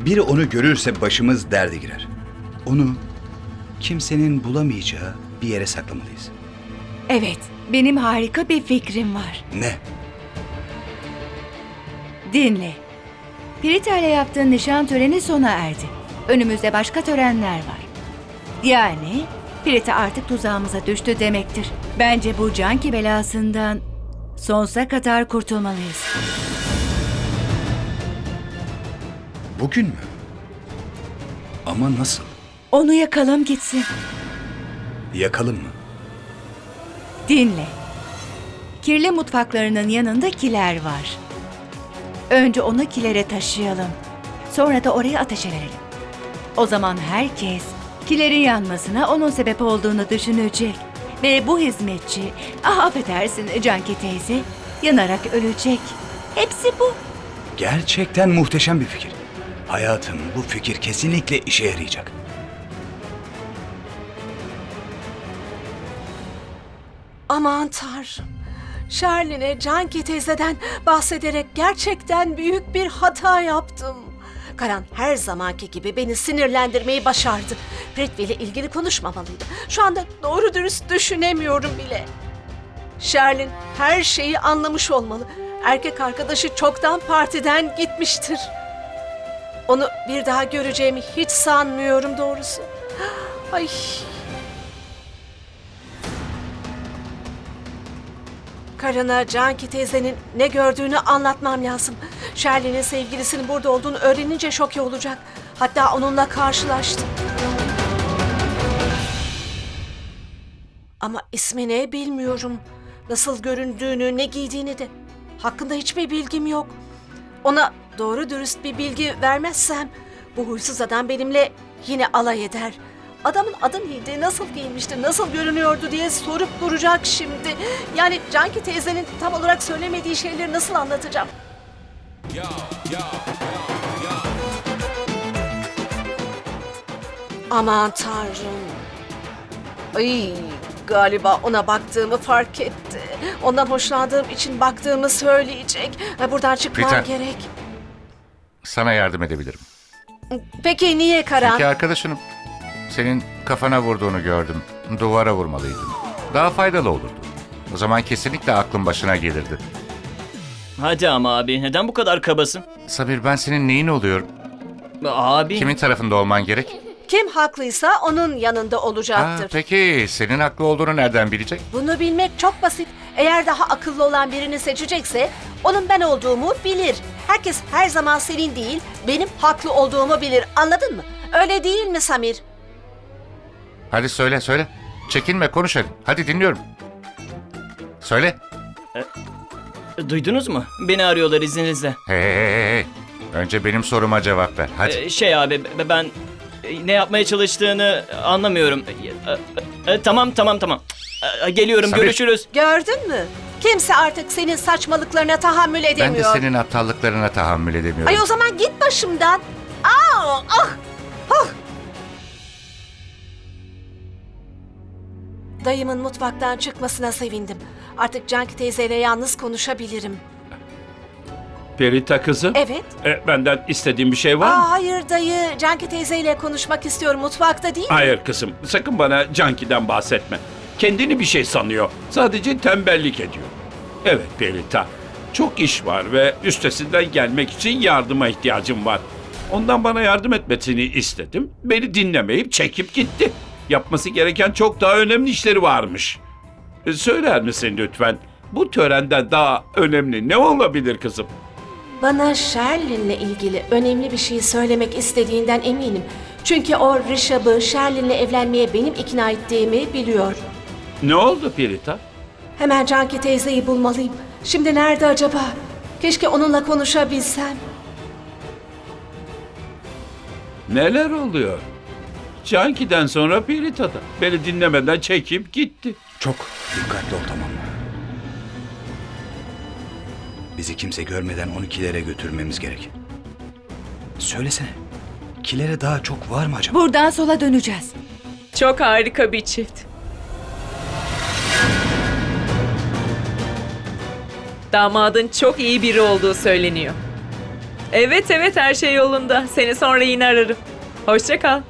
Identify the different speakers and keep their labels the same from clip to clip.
Speaker 1: Biri onu görürse başımız derde girer. Onu kimsenin bulamayacağı bir yere saklamalıyız.
Speaker 2: Evet, benim harika bir fikrim var.
Speaker 1: Ne?
Speaker 2: Dinle. Pirita ile yaptığın nişan töreni sona erdi. Önümüzde başka törenler var. Yani Pirita artık tuzağımıza düştü demektir. Bence bu Canki belasından sonsuza kadar kurtulmalıyız.
Speaker 1: Bugün mü? Ama nasıl?
Speaker 2: Onu yakalım gitsin.
Speaker 1: Yakalım mı?
Speaker 2: Dinle. Kirli mutfaklarının yanında kiler var. Önce onu kilere taşıyalım. Sonra da oraya ateşe verelim. O zaman herkes kilerin yanmasına onun sebep olduğunu düşünecek. Ve bu hizmetçi, affedersin Canki teyze, yanarak ölecek. Hepsi bu.
Speaker 1: Gerçekten muhteşem bir fikir. Hayatım, bu fikir kesinlikle işe yarayacak.
Speaker 3: Aman Tanrım. Şerlin'e Canki teyzeden bahsederek gerçekten büyük bir hata yaptım. Karan her zamanki gibi beni sinirlendirmeyi başardı. Prithvi ile ilgili konuşmamalıydı. Şu anda doğru dürüst düşünemiyorum bile. Şerlin her şeyi anlamış olmalı. Erkek arkadaşı çoktan partiden gitmiştir. Onu bir daha göreceğimi hiç sanmıyorum doğrusu. Ay. Karan'a Canki teyzenin ne gördüğünü anlatmam lazım. Şerlin'in sevgilisinin burada olduğunu öğrenince şoke olacak. Hatta onunla karşılaştı. Ama ismi ne bilmiyorum. Nasıl göründüğünü, ne giydiğini de. Hakkında hiçbir bilgim yok. Ona doğru dürüst bir bilgi vermezsem bu huysuz adam benimle yine alay eder. Adamın adı neydi, nasıl giyinmişti, nasıl görünüyordu diye sorup duracak şimdi. Yani Canki teyzenin tam olarak söylemediği şeyleri nasıl anlatacağım? Aman Tanrım. Ay, galiba ona baktığımı fark etti. Ondan hoşlandığım için baktığımı söyleyecek. Buradan çıkmam
Speaker 4: Rita.
Speaker 3: gerek.
Speaker 4: Sana yardım edebilirim.
Speaker 3: Peki niye Karan?
Speaker 4: Çünkü arkadaşınım. Senin kafana vurduğunu gördüm. Duvara vurmalıydın. Daha faydalı olurdu. O zaman kesinlikle aklın başına gelirdi.
Speaker 5: Hadi ama abi, neden bu kadar kabasın?
Speaker 4: Sabir, ben senin neyin oluyorum?
Speaker 5: Abi.
Speaker 4: Kimin tarafında olman gerek?
Speaker 3: Kim haklıysa onun yanında olacaktır.
Speaker 4: Peki senin haklı olduğunu nereden bilecek?
Speaker 3: Bunu bilmek çok basit. Eğer daha akıllı olan birini seçecekse onun ben olduğumu bilir. Herkes her zaman senin değil, benim haklı olduğumu bilir. Anladın mı? Öyle değil mi Samir?
Speaker 4: Hadi söyle. Çekinme, konuş hadi. Hadi dinliyorum. Söyle.
Speaker 5: Duydunuz mu? Beni arıyorlar izninizle.
Speaker 4: Hey. Önce benim soruma cevap ver. Hadi.
Speaker 5: Abi ben ne yapmaya çalıştığını anlamıyorum. Tamam. Geliyorum,
Speaker 4: Sabir.
Speaker 5: görüşürüz.
Speaker 3: Gördün mü? Kimse artık senin saçmalıklarına tahammül
Speaker 4: Ben de
Speaker 3: edemiyor.
Speaker 4: senin aptallıklarına tahammül edemiyorum.
Speaker 3: Ay o zaman git başımdan. Ah! Dayımın mutfaktan çıkmasına sevindim. Artık Canki teyzeyle yalnız konuşabilirim.
Speaker 6: Perita kızım.
Speaker 3: Evet.
Speaker 6: Benden istediğin bir şey var mı?
Speaker 3: Hayır dayı. Canki teyzeyle konuşmak istiyorum. Mutfakta değil mi?
Speaker 6: Hayır kızım. Sakın bana Canki'den bahsetme. Kendini bir şey sanıyor. Sadece tembellik ediyor. Evet Perita. Çok iş var ve üstesinden gelmek için yardıma ihtiyacım var. Ondan bana yardım etmesini istedim. Beni dinlemeyip çekip gitti. Yapması gereken çok daha önemli işleri varmış. Söyler misin lütfen? Bu törenden daha önemli ne olabilir kızım?
Speaker 3: Bana Sherlin'le ilgili önemli bir şey söylemek istediğinden eminim. Çünkü o Rishabh'ı Sherlin'le evlenmeye benim ikna ettiğimi biliyor.
Speaker 6: Ne oldu Perita?
Speaker 3: Hemen Canki teyzeyi bulmalıyım. Şimdi nerede acaba? Keşke onunla konuşabilsem.
Speaker 6: Neler oluyor? Canki'den sonra Perita'da. Beni dinlemeden çekip gitti.
Speaker 1: Çok dikkatli ol, tamam mı? Bizi kimse görmeden onu kilere götürmemiz gerek. Söylesene. Kilere daha çok var mı acaba?
Speaker 2: Buradan sola döneceğiz.
Speaker 7: Çok harika bir çift. Damadın çok iyi biri olduğu söyleniyor. Evet evet, her şey yolunda. Seni sonra yine ararım. Hoşça kal.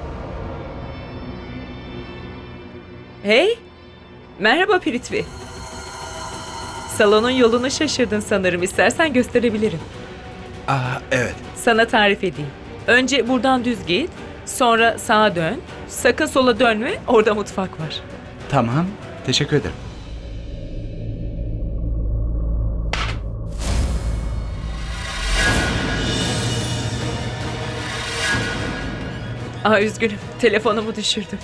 Speaker 7: Hey. Merhaba Pritvi. Salonun yolunu şaşırdın sanırım. İstersen gösterebilirim.
Speaker 1: Evet.
Speaker 7: Sana tarif edeyim. Önce buradan düz git. Sonra sağa dön. Sakın sola dönme. Orada mutfak var.
Speaker 1: Tamam. Teşekkür ederim.
Speaker 7: Üzgünüm. Telefonumu düşürdüm.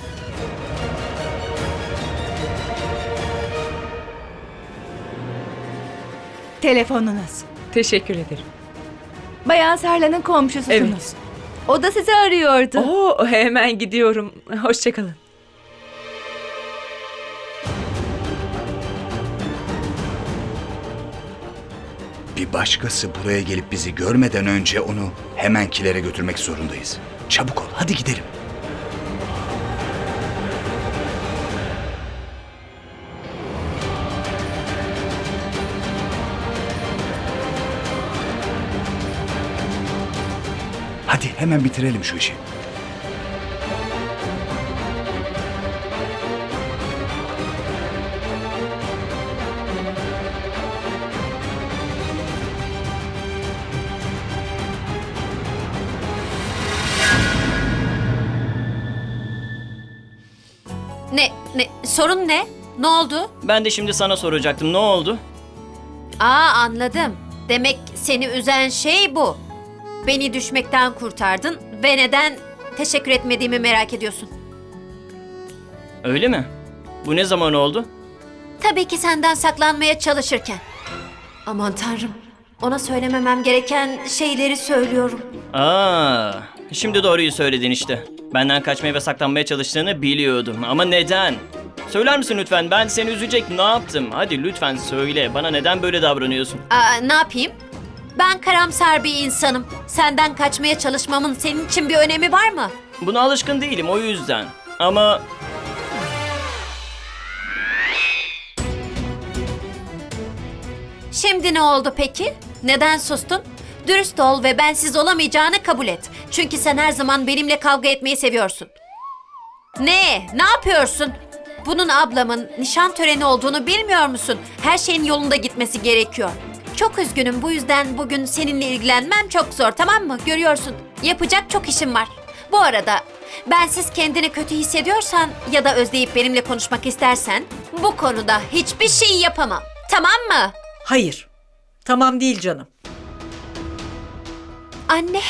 Speaker 2: Telefonunuz.
Speaker 7: Teşekkür ederim.
Speaker 2: Bayan Sarla'nın komşususunuz.
Speaker 7: Evet.
Speaker 2: O da sizi arıyordu.
Speaker 7: Hemen gidiyorum. Hoşça kalın.
Speaker 1: Bir başkası buraya gelip bizi görmeden önce onu hemen kilere götürmek zorundayız. Çabuk ol, hadi gidelim. Hadi hemen bitirelim şu işi.
Speaker 8: Sorun ne? Ne oldu?
Speaker 5: Ben de şimdi sana soracaktım. Ne oldu?
Speaker 8: Anladım. Demek seni üzen şey bu. Beni düşmekten kurtardın ve neden teşekkür etmediğimi merak ediyorsun.
Speaker 5: Öyle mi? Bu ne zaman oldu?
Speaker 8: Tabii ki senden saklanmaya çalışırken. Aman tanrım. Ona söylememem gereken şeyleri söylüyorum.
Speaker 5: Şimdi doğruyu söyledin işte. Benden kaçmaya ve saklanmaya çalıştığını biliyordum. Ama neden? Söyler misin lütfen? Ben seni üzecek ne yaptım? Hadi lütfen söyle. Bana neden böyle davranıyorsun?
Speaker 8: Ne yapayım? Ben karamsar bir insanım. Senden kaçmaya çalışmamın senin için bir önemi var mı?
Speaker 5: Buna alışkın değilim o yüzden. Ama
Speaker 8: Şimdi ne oldu peki? Neden sustun? Dürüst ol ve bensiz olamayacağını kabul et. Çünkü sen her zaman benimle kavga etmeyi seviyorsun. Ne? Ne yapıyorsun? Bunun ablamın nişan töreni olduğunu bilmiyor musun? Her şeyin yolunda gitmesi gerekiyor. Çok üzgünüm, bu yüzden bugün seninle ilgilenmem çok zor, tamam mı? Görüyorsun, yapacak çok işim var. Bu arada bensiz kendini kötü hissediyorsan ya da özleyip benimle konuşmak istersen bu konuda hiçbir şey yapamam. Tamam mı?
Speaker 9: Hayır. Tamam değil canım.
Speaker 8: Anne,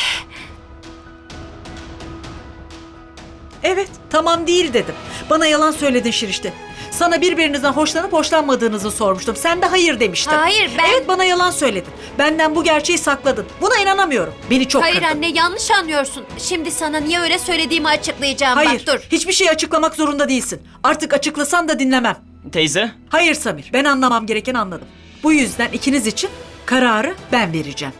Speaker 9: Evet, tamam değil dedim. Bana yalan söyledin Şirişte. Sana birbirinizden hoşlanıp hoşlanmadığınızı sormuştum. Sen de hayır demiştin.
Speaker 8: Hayır, ben-
Speaker 9: Evet, bana yalan söyledin. Benden bu gerçeği sakladın. Buna inanamıyorum. Beni çok
Speaker 8: hayır
Speaker 9: kırdın.
Speaker 8: anne, yanlış anlıyorsun. Şimdi sana niye öyle söylediğimi açıklayacağım.
Speaker 9: Hayır,
Speaker 8: Bak dur.
Speaker 9: hiçbir şey açıklamak zorunda değilsin. Artık açıklasan da dinlemem.
Speaker 5: teyze,
Speaker 9: Hayır Samir, ben anlamam gereken anladım. Bu yüzden ikiniz için kararı ben vereceğim.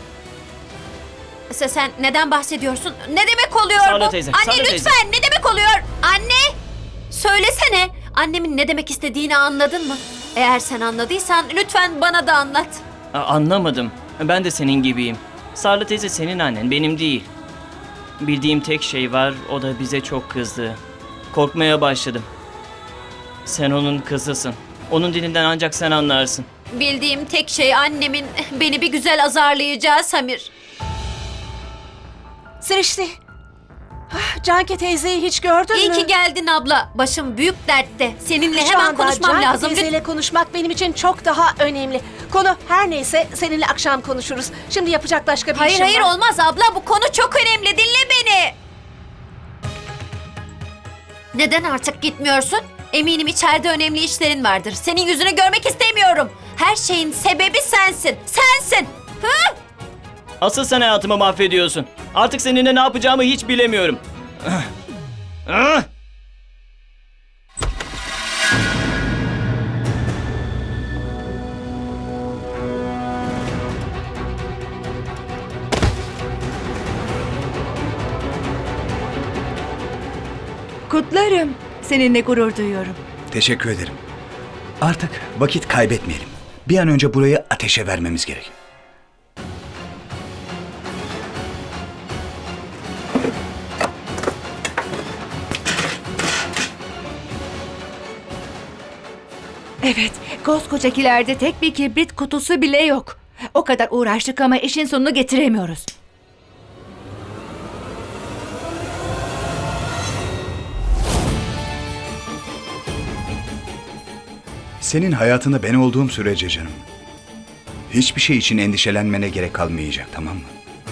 Speaker 8: Sen neden bahsediyorsun? Ne demek oluyor
Speaker 5: Sarla
Speaker 8: bu?
Speaker 5: teyze,
Speaker 8: Anne
Speaker 5: Sarla
Speaker 8: lütfen,
Speaker 5: teyze.
Speaker 8: ne demek oluyor? Anne! Söylesene. Annemin ne demek istediğini anladın mı? Eğer sen anladıysan lütfen bana da anlat.
Speaker 5: Anlamadım. Ben de senin gibiyim. Sarla teyze senin annen, benim değil. Bildiğim tek şey var, o da bize çok kızdı. Korkmaya başladım. Sen onun kızısın. Onun dilinden ancak sen anlarsın.
Speaker 8: Bildiğim tek şey annemin beni bir güzel azarlayacağı Samir.
Speaker 3: Sirişti. Canki teyzeyi hiç gördün
Speaker 8: İyi
Speaker 3: mü?
Speaker 8: ki geldin abla. Başım büyük dertte. Seninle
Speaker 3: Şu
Speaker 8: hemen
Speaker 3: anda
Speaker 8: konuşmam
Speaker 3: Canki
Speaker 8: lazım.
Speaker 3: teyzeyle konuşmak benim için çok daha önemli. Konu her neyse seninle akşam konuşuruz. Şimdi yapacak başka bir
Speaker 8: Hayır
Speaker 3: işim
Speaker 8: hayır
Speaker 3: var.
Speaker 8: olmaz abla, bu konu çok önemli, dinle beni. Neden artık gitmiyorsun? Eminim içeride önemli işlerin vardır. Senin yüzünü görmek istemiyorum. Her şeyin sebebi sensin. Sensin. Hı?
Speaker 5: Asıl sen hayatımı mahvediyorsun. Artık seninle ne yapacağımı hiç bilemiyorum.
Speaker 2: Kutlarım. Seninle gurur duyuyorum.
Speaker 1: Teşekkür ederim. Artık vakit kaybetmeyelim. Bir an önce burayı ateşe vermemiz gerek.
Speaker 2: Evet, koskoca kilerde tek bir kibrit kutusu bile yok. O kadar uğraştık ama işin sonunu getiremiyoruz.
Speaker 1: Senin hayatında ben olduğum sürece canım, hiçbir şey için endişelenmene gerek kalmayacak, tamam mı?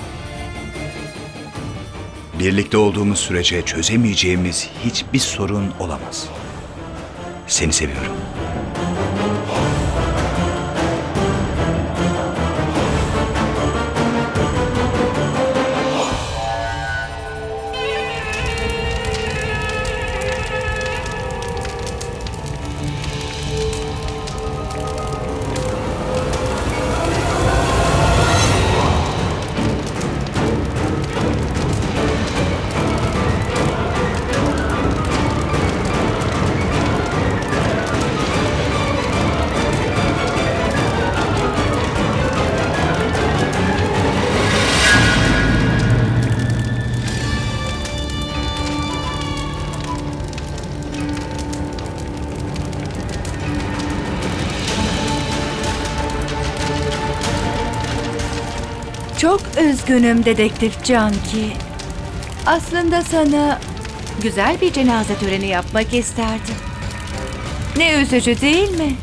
Speaker 1: Birlikte olduğumuz sürece çözemeyeceğimiz hiçbir sorun olamaz. Seni seviyorum.
Speaker 2: Çok üzgünüm dedektif Canki. Aslında sana güzel bir cenaze töreni yapmak isterdim. Ne üzücü değil mi?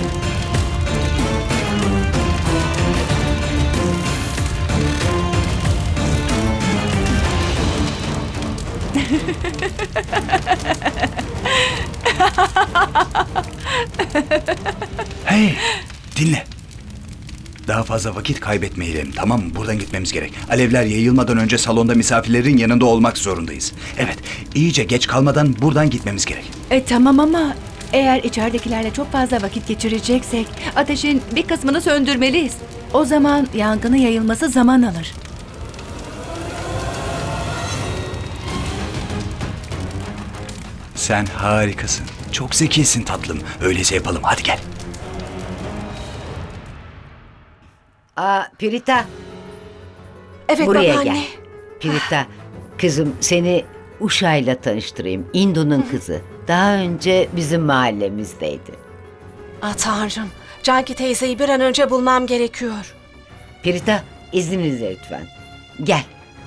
Speaker 1: Hey, dinle. Daha fazla vakit kaybetmeyelim, tamam mı? Buradan gitmemiz gerek. Alevler yayılmadan önce salonda misafirlerin yanında olmak zorundayız. Evet, iyice geç kalmadan buradan gitmemiz gerek.
Speaker 2: Tamam ama eğer içeridekilerle çok fazla vakit geçireceksek ateşin bir kısmını söndürmeliyiz. O zaman yangının yayılması zaman alır.
Speaker 1: Sen harikasın. Çok zekisin tatlım. Öyleyse yapalım. Hadi gel.
Speaker 10: Pirita,
Speaker 3: Evet
Speaker 10: buraya
Speaker 3: babaanne.
Speaker 10: gel. Pirita, kızım seni Uşa'yla tanıştırayım. Indu'nun kızı. Daha önce bizim mahallemizdeydi.
Speaker 3: Tanrım. Canki teyzeyi bir an önce bulmam gerekiyor.
Speaker 10: Pirita, izninizle lütfen. Gel.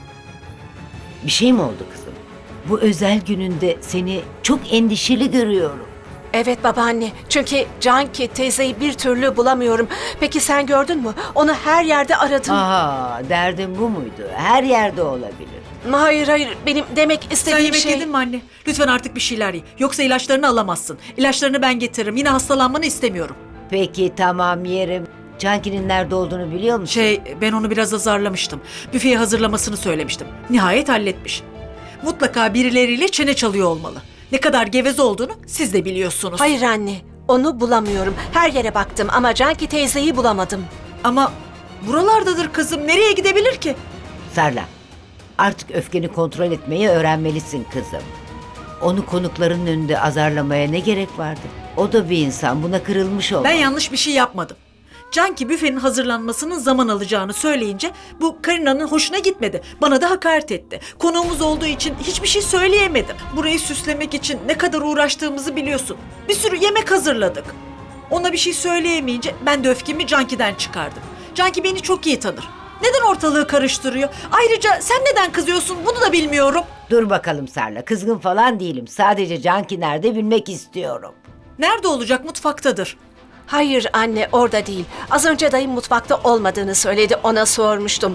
Speaker 10: Bir şey mi oldu kızım? Bu özel gününde seni çok endişeli görüyorum.
Speaker 3: Evet babaanne. Çünkü Canki teyzeyi bir türlü bulamıyorum. Peki sen gördün mü? Onu her yerde aradım.
Speaker 10: Derdin bu muydu? Her yerde olabilir.
Speaker 3: Hayır. Benim demek
Speaker 9: Sen
Speaker 3: istediğim
Speaker 9: yemek
Speaker 3: şey...
Speaker 9: yedin mi anne? Lütfen artık bir şeyler ye. Yoksa ilaçlarını alamazsın. İlaçlarını ben getiririm. Yine hastalanmanı istemiyorum.
Speaker 10: Peki tamam yerim. Canki'nin nerede olduğunu biliyor musun?
Speaker 9: Ben onu biraz azarlamıştım. Büfeyi hazırlamasını söylemiştim. Nihayet halletmiş. Mutlaka birileriyle çene çalıyor olmalı. Ne kadar geveze olduğunu siz de biliyorsunuz.
Speaker 3: Hayır anne. Onu bulamıyorum. Her yere baktım ama Canki teyzeyi bulamadım.
Speaker 9: Ama buralardadır kızım. Nereye gidebilir ki?
Speaker 10: Sarla, artık öfkeni kontrol etmeyi öğrenmelisin kızım. Onu konukların önünde azarlamaya ne gerek vardı? O da bir insan, buna kırılmış olmalı.
Speaker 9: Ben yanlış bir şey yapmadım. Canki büfenin hazırlanmasının zaman alacağını söyleyince bu Karina'nın hoşuna gitmedi. Bana da hakaret etti. Konuğumuz olduğu için hiçbir şey söyleyemedim. Burayı süslemek için ne kadar uğraştığımızı biliyorsun. Bir sürü yemek hazırladık. Ona bir şey söyleyemeyince ben de öfkemi Canki'den çıkardım. Canki beni çok iyi tanır. Neden ortalığı karıştırıyor? Ayrıca sen neden kızıyorsun bunu da bilmiyorum.
Speaker 10: Dur bakalım Sarla, kızgın falan değilim. Sadece Canki nerede bilmek istiyorum.
Speaker 9: Nerede olacak? Mutfaktadır.
Speaker 3: Hayır anne orada değil. Az önce dayım mutfakta olmadığını söyledi. Ona sormuştum.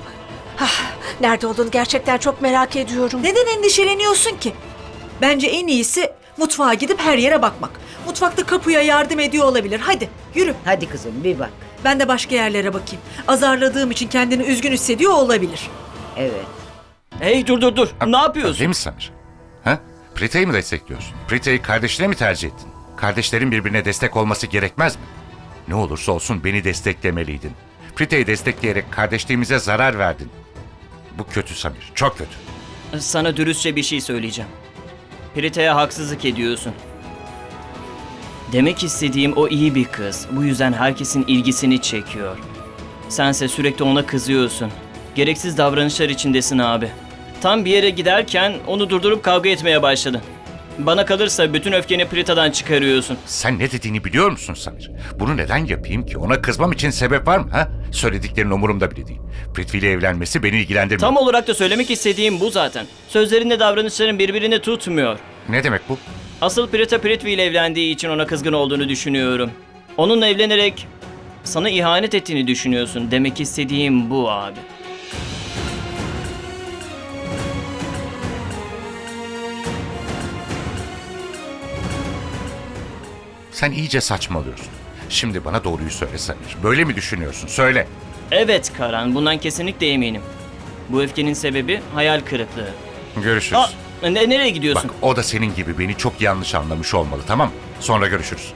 Speaker 3: Nerede olduğunu gerçekten çok merak ediyorum.
Speaker 9: Neden endişeleniyorsun ki? Bence en iyisi mutfağa gidip her yere bakmak. Mutfakta kapıya yardım ediyor olabilir. Hadi yürü.
Speaker 10: Hadi kızım bir bak.
Speaker 9: Ben de başka yerlere bakayım. Azarladığım için kendini üzgün hissediyor olabilir.
Speaker 10: Evet.
Speaker 5: Hey dur. Ne yapıyorsun?
Speaker 4: Değil mi Samir? Ha? Prita'yı mı destekliyorsun? Prita'yı kardeşine mi tercih ettin? Kardeşlerin birbirine destek olması gerekmez mi? Ne olursa olsun beni desteklemeliydin. Prita'yı destekleyerek kardeşliğimize zarar verdin. Bu kötü Samir, çok kötü.
Speaker 5: Sana dürüstçe bir şey söyleyeceğim. Prita'ya haksızlık ediyorsun. Demek istediğim o iyi bir kız. Bu yüzden herkesin ilgisini çekiyor. Sense sürekli ona kızıyorsun. Gereksiz davranışlar içindesin abi. Tam bir yere giderken onu durdurup kavga etmeye başladın. Bana kalırsa bütün öfkeni Prita'dan çıkarıyorsun.
Speaker 4: Sen ne dediğini biliyor musun Samir? Bunu neden yapayım ki? Ona kızmam için sebep var mı? Ha? Söylediklerin umurumda bile değil. Prithvi ile evlenmesi beni ilgilendirmiyor.
Speaker 5: Tam olarak da söylemek istediğim bu zaten. Sözlerinle davranışların birbirini tutmuyor.
Speaker 4: Ne demek bu?
Speaker 5: Asıl Prita Prithvi ile evlendiği için ona kızgın olduğunu düşünüyorum. Onunla evlenerek sana ihanet ettiğini düşünüyorsun. Demek istediğim bu abi.
Speaker 4: Sen iyice saçmalıyorsun. Şimdi bana doğruyu söyle Samir. Böyle mi düşünüyorsun? Söyle.
Speaker 5: Evet Karan, bundan kesinlikle eminim. Bu öfkenin sebebi hayal kırıklığı.
Speaker 4: Görüşürüz.
Speaker 5: Nereye gidiyorsun?
Speaker 4: Bak, o da senin gibi beni çok yanlış anlamış olmalı, tamam mı? Sonra görüşürüz.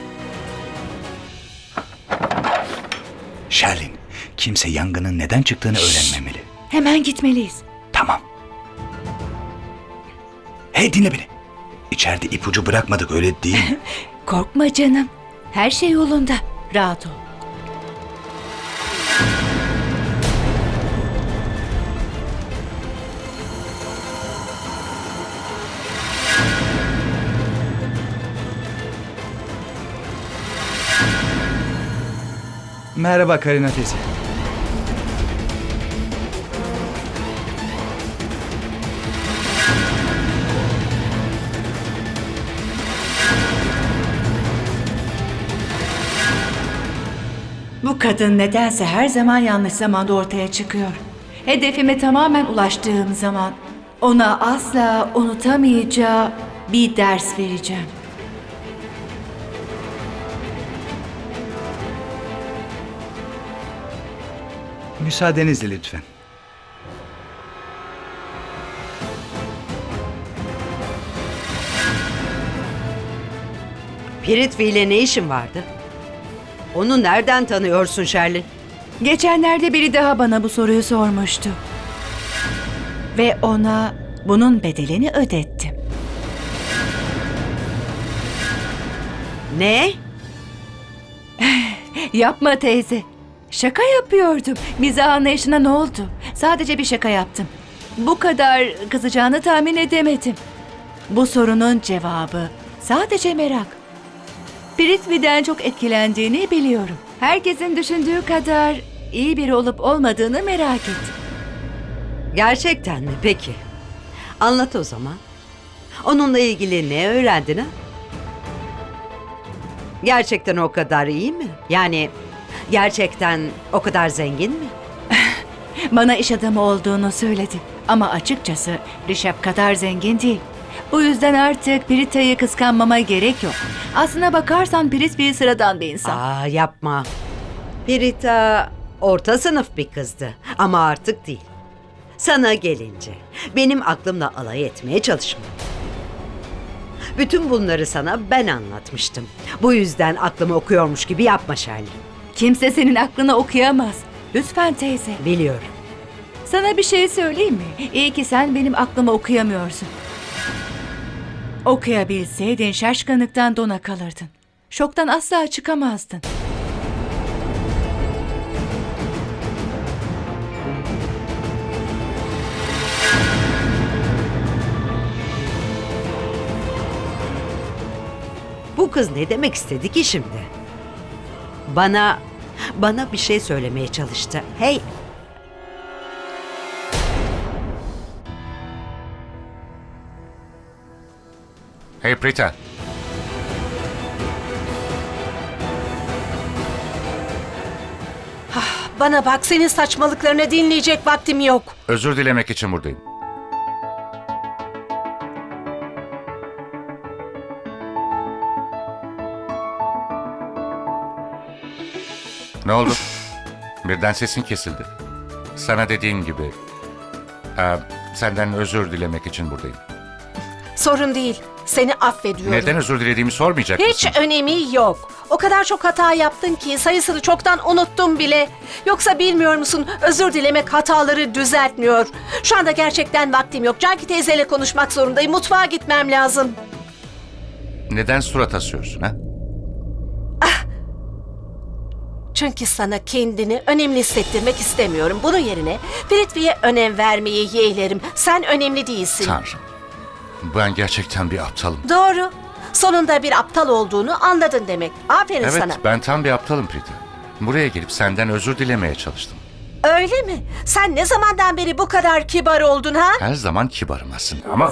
Speaker 1: Sherlin, kimse yangının neden çıktığını öğrenmemeli.
Speaker 2: Hemen gitmeliyiz.
Speaker 1: Tamam. Hey, dinle beni. İçeride ipucu bırakmadık, öyle değil mi?
Speaker 2: Korkma canım. Her şey yolunda. Rahat ol.
Speaker 1: Merhaba Karina teyze.
Speaker 2: Bu kadın nedense her zaman yanlış zamanda ortaya çıkıyor. Hedefime tamamen ulaştığım zaman ona asla unutamayacağı bir ders vereceğim.
Speaker 1: Müsaadenizle lütfen.
Speaker 11: Prithvi ile ne işin vardı? Onu nereden tanıyorsun Sherlin?
Speaker 2: Geçenlerde biri daha bana bu soruyu sormuştu. Ve ona bunun bedelini ödettim.
Speaker 11: Ne?
Speaker 2: Yapma teyze. Şaka yapıyordum. Mizah anlayışına ne oldu? Sadece bir şaka yaptım. Bu kadar kızacağını tahmin edemedim. Bu sorunun cevabı sadece merak. Prithvi'den çok etkilendiğini biliyorum. Herkesin düşündüğü kadar iyi biri olup olmadığını merak ettim.
Speaker 11: Gerçekten mi? Peki. Anlat o zaman. Onunla ilgili ne öğrendin ha? Gerçekten o kadar iyi mi? Yani gerçekten o kadar zengin mi?
Speaker 2: Bana iş adamı olduğunu söyledi. Ama açıkçası Rişap kadar zengin değil. Bu yüzden artık Prita'yı kıskanmama gerek yok. Aslına bakarsan Prithvi sıradan bir insan.
Speaker 11: Aa, yapma. Prita orta sınıf bir kızdı ama artık değil. Sana gelince benim aklımla alay etmeye çalışma. Bütün bunları sana ben anlatmıştım. Bu yüzden aklımı okuyormuş gibi yapma Sherlin.
Speaker 2: Kimse senin aklını okuyamaz. Lütfen teyze.
Speaker 11: Biliyorum.
Speaker 2: Sana bir şey söyleyeyim mi? İyi ki sen benim aklımı okuyamıyorsun. Okuyabilseydin şaşkınlıktan dona kalırdın. Şoktan asla çıkamazdın.
Speaker 11: Bu kız ne demek istedi ki şimdi? Bana bir şey söylemeye çalıştı. Hey!
Speaker 4: Hey Prita.
Speaker 3: Bana bak, senin saçmalıklarını dinleyecek vaktim yok.
Speaker 4: Özür dilemek için buradayım. Ne oldu? Birden sesin kesildi. Sana dediğim gibi... senden özür dilemek için buradayım.
Speaker 3: Sorun değil, seni affediyorum.
Speaker 4: Neden özür dilediğimi sormayacak mısın?
Speaker 3: Hiç önemi yok. O kadar çok hata yaptın ki sayısını çoktan unuttum bile. Yoksa bilmiyor musun, özür dilemek hataları düzeltmiyor. Şu anda gerçekten vaktim yok. Canki teyzeyle konuşmak zorundayım. Mutfağa gitmem lazım.
Speaker 4: Neden surat asıyorsun ha?
Speaker 3: Çünkü sana kendini önemli hissettirmek istemiyorum. Bunun yerine Prithvi'ye önem vermeyi yeğlerim. Sen önemli değilsin.
Speaker 4: Tanrım. Ben gerçekten bir aptalım.
Speaker 3: Doğru. Sonunda bir aptal olduğunu anladın demek. Aferin
Speaker 4: Evet,
Speaker 3: sana.
Speaker 4: ben tam bir aptalım Prita. Buraya gelip senden özür dilemeye çalıştım.
Speaker 3: Öyle mi? Sen ne zamandan beri bu kadar kibar oldun ha?
Speaker 4: Her zaman kibarım aslında ama...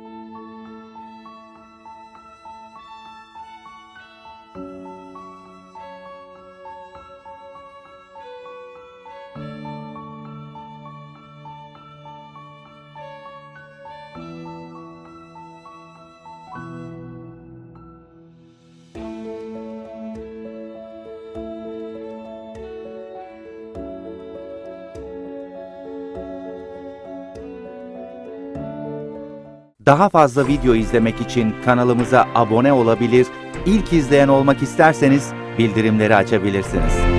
Speaker 12: Daha fazla video izlemek için kanalımıza abone olabilir, ilk izleyen olmak isterseniz bildirimleri açabilirsiniz.